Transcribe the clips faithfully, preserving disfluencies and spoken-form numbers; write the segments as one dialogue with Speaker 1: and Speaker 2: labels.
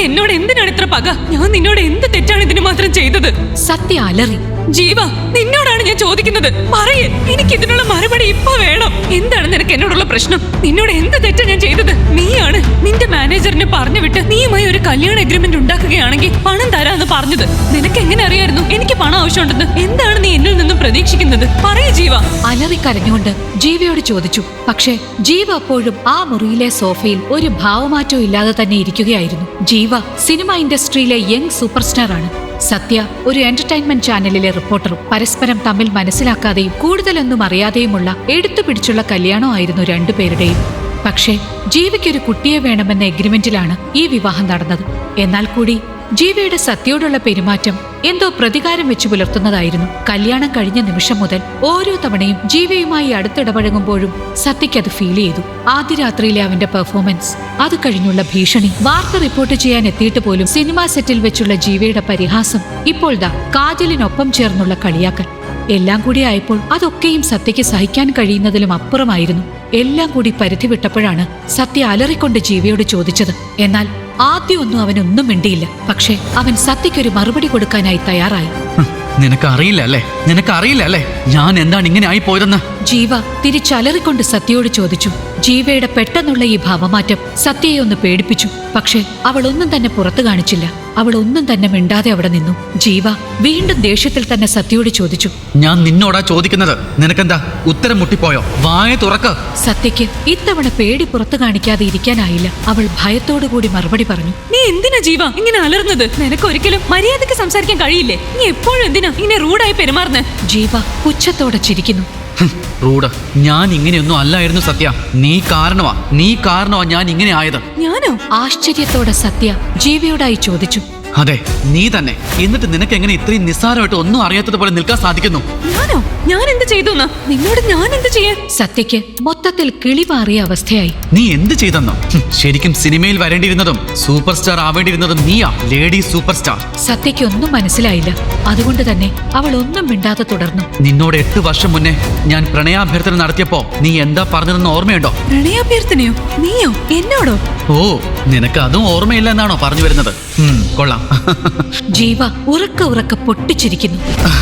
Speaker 1: എന്നോട് എന്തിനാണ് ഇത്ര പക? ഞാൻ നിന്നോട് എന്ത് തെറ്റാണ് ഇതിന് മാത്രം ചെയ്തത്?
Speaker 2: സത്യ അലറി.
Speaker 1: ജീവ, നിന്നോടാണ് ഞാൻ ചോദിക്കുന്നത്. പറയേ, എനിക്ക് ഇതിനുള്ള മറുപടി ഇപ്പൊ വേണം. എന്താണ് നിനക്ക് എന്നോടുള്ള പ്രശ്നം? നിന്നോട് എന്ത് തെറ്റാ ഞാൻ ചെയ്തത്? നീയാണ് നിന്റെ മാനേജറിനെ പറഞ്ഞു വിട്ട് നീയുമായി ഒരു കല്യാണ എഗ്രിമെന്റ് ഉണ്ടാക്കുകയാണെങ്കിൽ പണം തരാന്ന് പറഞ്ഞത്. നിനക്ക് എങ്ങനെ അറിയായിരുന്നു എനിക്ക് പണം ആവശ്യമുണ്ടെന്ന്? എന്താണ് നീ എന്നിൽ നിന്നും പ്രതീക്ഷിക്കുന്നത്? പറയേ ജീവ.
Speaker 2: അലറി കരഞ്ഞുകൊണ്ട് ജീവയോട് ചോദിച്ചു. പക്ഷേ ജീവ അപ്പോഴും ആ മുറിയിലെ സോഫയിൽ ഒരു ഭാവമാറ്റവും ഇല്ലാതെ തന്നെ ഇരിക്കുകയായിരുന്നു. ജീവ സിനിമ ഇൻഡസ്ട്രിയിലെ യങ് സൂപ്പർ സ്റ്റാർ ആണ്. സത്യ ഒരു എന്റർടൈൻമെന്റ് ചാനലിലെ റിപ്പോർട്ടറും. പരസ്പരം തമ്മിൽ മനസ്സിലാക്കാതെയും കൂടുതലൊന്നും അറിയാതെയുമുള്ള എടുത്തുപിടിച്ചുള്ള കല്യാണമായിരുന്നു രണ്ടുപേരുടെയും. പക്ഷേ ജീവയ്ക്കൊരു കുട്ടിയെ വേണമെന്ന എഗ്രിമെന്റിലാണ് ഈ വിവാഹം നടന്നത്. എന്നാൽ കൂടി ജീവയുടെ സത്യയോടുള്ള പെരുമാറ്റം എന്തോ പ്രതികാരം വെച്ചു പുലർത്തുന്നതായിരുന്നു. കല്യാണം കഴിഞ്ഞ നിമിഷം മുതൽ ഓരോ തവണയും ജീവയുമായി അടുത്തിടപഴകുമ്പോഴും സത്യയ്ക്ക് അത് ഫീൽ ചെയ്തു. ആദ്യ രാത്രിയിലെ അവന്റെ പെർഫോമൻസ്, അത് കഴിഞ്ഞുള്ള ഭീഷണി, വാർത്ത റിപ്പോർട്ട് ചെയ്യാൻ എത്തിയിട്ട് പോലും സിനിമാ സെറ്റിൽ വെച്ചുള്ള ജീവയുടെ പരിഹാസം, ഇപ്പോൾ ദാ കാജലിനൊപ്പം ചേർന്നുള്ള കളിയാക്കൽ, എല്ലാം കൂടി ആയപ്പോൾ അതൊക്കെയും സത്യയ്ക്ക് സഹിക്കാൻ കഴിയുന്നതിലും അപ്പുറമായിരുന്നു. എല്ലാം കൂടി പരിധി വിട്ടപ്പോഴാണ് സത്യ അലറിക്കൊണ്ട് ജീവയോട് ചോദിച്ചത്. എന്നാൽ ആദ്യമൊന്നും അവനൊന്നും മിണ്ടിയില്ല. പക്ഷെ അവൻ സത്യയ്ക്കൊരു മറുപടി കൊടുക്കാനായി തയ്യാറായി.
Speaker 3: നിനക്കറിയില്ല അല്ലേ നിനക്കറിയില്ല അല്ലേ ഞാൻ എന്താണ് ഇങ്ങനെ ആയി പോയതെന്ന്?
Speaker 2: ജീവ തിരിച്ചലറിക്കൊണ്ട് സത്യയോട് ചോദിച്ചു. ജീവയുടെ പെട്ടെന്നുള്ള ഈ ഭാവമാറ്റം സത്യയെ ഒന്ന് പേടിപ്പിച്ചു. പക്ഷെ അവൾ ഒന്നും തന്നെ പുറത്തു കാണിച്ചില്ല. അവൾ ഒന്നും തന്നെ മിണ്ടാതെ അവിടെ നിന്നു. ജീവ വീണ്ടും ദേഷ്യത്തിൽ തന്നെ സത്യയോട് ചോദിച്ചു.
Speaker 3: ഞാൻ നിന്നോടാ ചോദിക്കുന്നത്, നിനക്കെന്താ ഉത്തരം മുട്ടിപ്പോയോ? വായ തുറക്ക്.
Speaker 2: സത്യയ്ക്ക് ഇത്തവണ പേടി പുറത്തു കാണിക്കാതെ ഇരിക്കാനായില്ല. അവൾ ഭയത്തോടുകൂടി മറുപടി പറഞ്ഞു.
Speaker 1: നീ എന്തിനാ ജീവ ഇങ്ങനെ അലർന്നത്? നിനക്ക് ഒരിക്കലും മര്യാദയ്ക്ക് സംസാരിക്കാൻ കഴിയില്ലേ? നീ എപ്പോഴും എന്തിനാ ഇങ്ങനെ റൂഡായി പെരുമാറുന്നത്?
Speaker 2: ജീവ പുച്ഛത്തോടെ ചിരിക്കുന്നു.
Speaker 3: റൂഡ്, ഞാൻ ഇങ്ങനെയൊന്നും അല്ലായിരുന്നു സത്യ. നീ കാരണമാ നീ കാരണമാ ഞാൻ ഇങ്ങനെ ആയത്.
Speaker 1: ഞാനോ?
Speaker 2: ആശ്ചര്യത്തോടെ സത്യ ജീവയോടായി ചോദിച്ചു.
Speaker 3: അതെ, നീ തന്നെ. എന്നിട്ട് നിനക്ക് എങ്ങനെ ഇത്രയും നിസ്സാരമായിട്ട് ഒന്നും അറിയാത്തതുപോലെ നിൽക്കാൻ സാധിക്കുന്നു?
Speaker 1: ഞാനോ? ഞാൻ എന്ത് ചെയ്തു? നിന്നോട് ഞാൻ എന്ത് ചെയ്യാൻ?
Speaker 2: സത്യയ്ക്ക് മൊത്തത്തിൽ കിളിമാറിയ അവസ്ഥയായി.
Speaker 3: നീ എന്ത് ചെയ്തെന്നോ? ശരിക്കും സിനിമയിൽ വരേണ്ടിയിരുന്നതും സൂപ്പർ സ്റ്റാർ ആവേണ്ടിയിരുന്നതും നീയാ, ലേഡി സൂപ്പർ സ്റ്റാർ.
Speaker 2: സത്യയ്ക്ക് ഒന്നും മനസ്സിലായില്ല. അതുകൊണ്ട് തന്നെ അവൾ ഒന്നും മിണ്ടാതെ തുടർന്നു.
Speaker 3: നിന്നോട് എട്ട് വർഷം മുന്നേ ഞാൻ പ്രണയാഭ്യർത്ഥന നടത്തിയപ്പോ നീ എന്താ പറഞ്ഞതെന്ന് ഓർമ്മയുണ്ടോ?
Speaker 1: പ്രണയാഭ്യർത്ഥനയോ? നീയോ? എന്നോടോ?
Speaker 3: ഓ, നിനക്ക് അതും ഓർമ്മയില്ല എന്നാണോ പറഞ്ഞു വരുന്നത്? കൊള്ളാം.
Speaker 2: ജീവ ഉറക്ക ഉറക്ക പൊട്ടിച്ചിരിക്കുന്നു.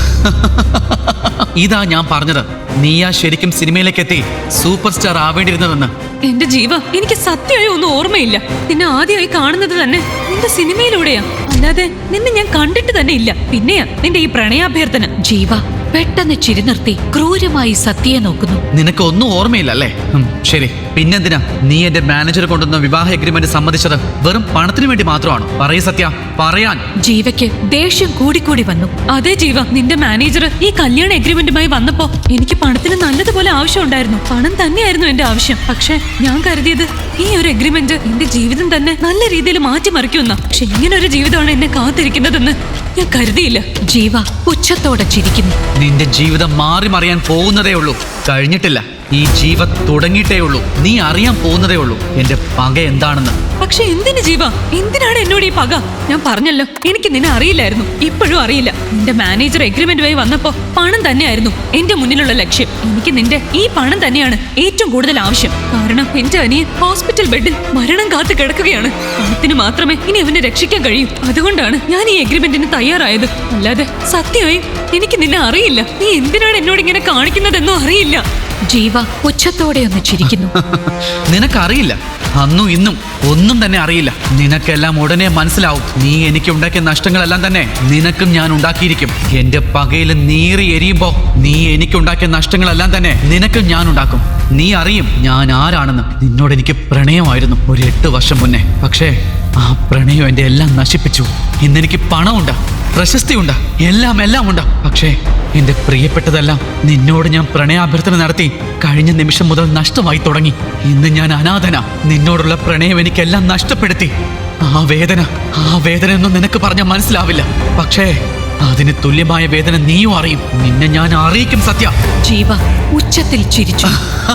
Speaker 3: ഇതാ ഞാൻ പറഞ്ഞത്, നീയാ ശരിക്കും സിനിമയിലേക്ക് എത്തി സൂപ്പർ സ്റ്റാർ ആവേണ്ടിയിരുന്നതെന്ന്.
Speaker 1: എന്റെ ജീവ, എനിക്ക് സത്യമായി ഒന്നും ഓർമ്മയില്ല. നിന്നെ ആദ്യമായി കാണുന്നത് തന്നെ നിന്റെ സിനിമയിലൂടെയാ, അല്ലാതെ നിന്നെ ഞാൻ കണ്ടിട്ട് തന്നെ ഇല്ല. പിന്നെയാ നിന്റെ ഈ പ്രണയാഭ്യർത്ഥന.
Speaker 2: ജീവ പെട്ടെന്ന് ചിരി നിർത്തി ക്രൂരമായി സത്യയെ നോക്കുന്നു.
Speaker 3: നിനക്ക് ഒന്നും ഓർമ്മയില്ല അല്ലേ? ശരി, പിന്നെന്തിനാ നീ എന്റെ മാനേജർ കൊണ്ടുവന്ന വിവാഹ എഗ്രിമെന്റ് സമ്മതിച്ചത്? വെറും പണത്തിന് വേണ്ടി മാത്രമാണോ? പറയ് സത്യ, പറയാൻ.
Speaker 2: ജീവയ്ക്ക് ദേഷ്യം കൂടിക്കൂടി വന്നു.
Speaker 1: അതെ ജീവ, നിന്റെ മാനേജർ ഈ കല്യാണ എഗ്രിമെന്റുമായി വന്നപ്പോ എനിക്ക് പണത്തിന് നല്ലതുപോലെ ആവശ്യം ഉണ്ടായിരുന്നു. പണം തന്നെയായിരുന്നു എന്റെ ആവശ്യം. പക്ഷെ ഞാൻ കരുതിയത് ഈ ഒരു എഗ്രിമെന്റ് എന്റെ ജീവിതം തന്നെ നല്ല രീതിയിൽ മാറ്റിമറിക്കുന്ന. പക്ഷെ ഇങ്ങനൊരു ജീവിതമാണ് എന്നെ കാത്തിരിക്കുന്നതെന്ന് ഞാൻ കരുതിയില്ല.
Speaker 2: ജീവ പുച്ഛത്തോടെ ചിരിക്കുന്നു.
Speaker 3: നിന്റെ ജീവിതം മാറി മറിയാൻ പോകുന്നതേ ഉള്ളൂ, കഴിഞ്ഞിട്ടില്ല. ഈ ജീവ തുടങ്ങിയിട്ടേ ഉള്ളൂ. നീ അറിയാൻ പോകുന്നതേ ഉള്ളൂ എന്റെ പക എന്താണെന്ന്.
Speaker 1: പക്ഷെ എന്തിന് ജീവ, എന്തിനാണ് എന്നോട് ഈ പക? ഞാൻ പറഞ്ഞല്ലോ, എനിക്ക് നിന്നെ അറിയില്ലായിരുന്നു, ഇപ്പോഴും അറിയില്ല. നിന്റെ മാനേജർ എഗ്രിമെന്റുമായി വന്നപ്പോ പണം തന്നെയായിരുന്നു എന്റെ മുന്നിലുള്ള ലക്ഷ്യം. എനിക്ക് നിന്റെ ഈ പണം തന്നെയാണ് ഏറ്റവും കൂടുതൽ ആവശ്യം. കാരണം എന്റെ അനിയൻ ഹോസ്പിറ്റൽ ബെഡിൽ മരണം കാത്തു കിടക്കുകയാണ്. പണത്തിന് മാത്രമേ ഇനി അവനെ രക്ഷിക്കാൻ കഴിയൂ. അതുകൊണ്ടാണ് ഞാൻ ഈ എഗ്രിമെന്റിന് തയ്യാറായത്. അല്ലാതെ സത്യമായും എനിക്ക് നിന്നെ അറിയില്ല. നീ എന്തിനാണ് എന്നോട് ഇങ്ങനെ കാണിക്കുന്നതെന്നും അറിയില്ല.
Speaker 2: ജീവ പുച്ഛത്തോടെ ഒന്ന് ചിരിക്കുന്നു.
Speaker 3: നിനക്കറിയില്ല, അന്നും ഇന്നും ഒന്നും തന്നെ അറിയില്ല. നിനക്കെല്ലാം ഉടനെ മനസ്സിലാവും. നീ എനിക്ക് ഉണ്ടാക്കിയ നഷ്ടങ്ങളെല്ലാം തന്നെ നിനക്കും ഞാൻ ഉണ്ടാക്കിയിരിക്കും. എന്റെ പകയിൽ നീറി എരിയുമ്പോ നീ എനിക്കുണ്ടാക്കിയ നഷ്ടങ്ങളെല്ലാം തന്നെ നിനക്കും ഞാൻ ഉണ്ടാക്കും. നീ അറിയും ഞാൻ ആരാണെന്ന്. നിന്നോട് എനിക്ക് പ്രണയമായിരുന്നു ഒരു എട്ട് വർഷം മുന്നേ. പക്ഷേ ആ പ്രണയം എന്റെ എല്ലാം നശിപ്പിച്ചു. ഇന്നെനിക്ക് പണമുണ്ട്, പ്രശസ്തിയുണ്ട്, എല്ലാം എല്ലാം ഉണ്ട്. പക്ഷേ എന്റെ പ്രിയപ്പെട്ടതെല്ലാം നിന്നോട് ഞാൻ പ്രണയാഭ്യർത്ഥന നടത്തി കഴിഞ്ഞ നിമിഷം മുതൽ നഷ്ടമായി തുടങ്ങി. ഇന്ന് ഞാൻ അനാഥന. നിന്നോടുള്ള പ്രണയം എനിക്കെല്ലാം നഷ്ടപ്പെടുത്തി. ആ വേദന ആ വേദന ഒന്നും നിനക്ക് പറഞ്ഞാൽ മനസ്സിലാവില്ല. പക്ഷേ അതിന് തുല്യമായ വേദന നീയും അറിയും. നിന്നെ ഞാൻ അറിയിക്കും സത്യ.
Speaker 2: ജീവ ഉച്ചത്തിൽ ചിരിച്ചു.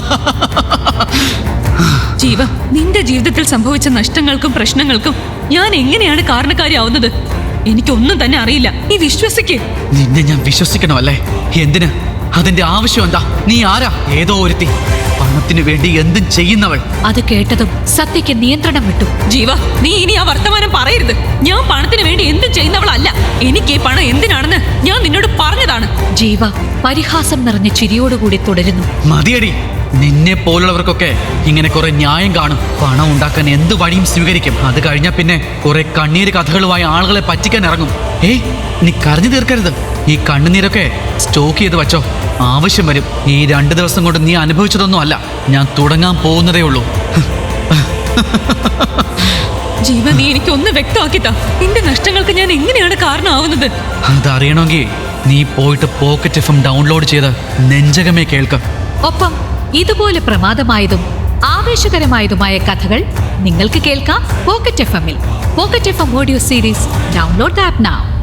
Speaker 1: ജീവ, നിന്റെ ജീവിതത്തിൽ സംഭവിച്ച നഷ്ടങ്ങൾക്കും പ്രശ്നങ്ങൾക്കും ഞാൻ എങ്ങനെയാണ് കാരണക്കാരിയാവുന്നത്? എനിക്കൊന്നും തന്നെ അറിയില്ല. നീ വിശ്വസിക്ക്.
Speaker 3: നിന്നെ ഞാൻ വിശ്വസിക്കണോ അല്ലേ? എന്തിന്? അതിന്റെ ആവശ്യം എന്താ? നീ ആരാ? ഏതോ ഒരുത്തി, പണത്തിനു വേണ്ടി എന്തും ചെയ്യുന്നവൾ.
Speaker 2: അത് കേട്ടതും സത്യയ്ക്ക് നിയന്ത്രണം വിട്ടു.
Speaker 1: ജീവ, നീ ഇനി ആ വർത്തമാനം പറയരുത്. എനിക്ക് ഈ പണം എന്തിനാണെന്ന് ഞാൻ നിന്നോട് പറഞ്ഞതാണ്.
Speaker 2: ജീവ പരിഹാസം നിറഞ്ഞ ചിരിയോടുകൂടി തുടരുന്നു.
Speaker 3: മതിയടി, നിന്നെ പോലുള്ളവർക്കൊക്കെ ഇങ്ങനെ കുറെ ന്യായം കാണും. പണം ഉണ്ടാക്കാൻ എന്ത് വഴിയും സ്വീകരിക്കും. അത് കഴിഞ്ഞാൽ പിന്നെ കുറെ കണ്ണീര് കഥകളുമായി ആളുകളെ പറ്റിക്കാൻ ഇറങ്ങും. ഏയ്, നീ കരഞ്ഞു തീർക്കരുത്. ഈ കണ്ണുനീരൊക്കെ സ്റ്റോക്ക് ചെയ്ത് വച്ചോ, ആവശ്യം വരും. ഈ രണ്ട് ദിവസം കൊണ്ട് നീ അനുഭവിച്ചതൊന്നും അല്ല, ഞാൻ തുടങ്ങാൻ പോകുന്നതേ ഉള്ളൂ.
Speaker 1: ജീവ, നീ എനിക്ക് ഒന്ന് വ്യക്തമാക്കിത്താ, നിന്റെ നഷ്ടങ്ങൾക്ക് ഞാൻ എങ്ങനെയാണ് കാരണമാവുന്നത്?
Speaker 3: അതറിയണമെങ്കിൽ നീ പോയിട്ട് പോക്കറ്റ് എഫ് എം ഡൗൺലോഡ് ചെയ്ത് നെഞ്ചകമേ കേൾക്ക.
Speaker 2: ഒപ്പം ഇതുപോലെ പ്രമാദമായതും ആവേശകരമായതുമായ കഥകൾ നിങ്ങൾക്ക് കേൾക്കാം പോക്കറ്റ് എഫ് എമ്മിൽ. Pocket F M audio series download the app now.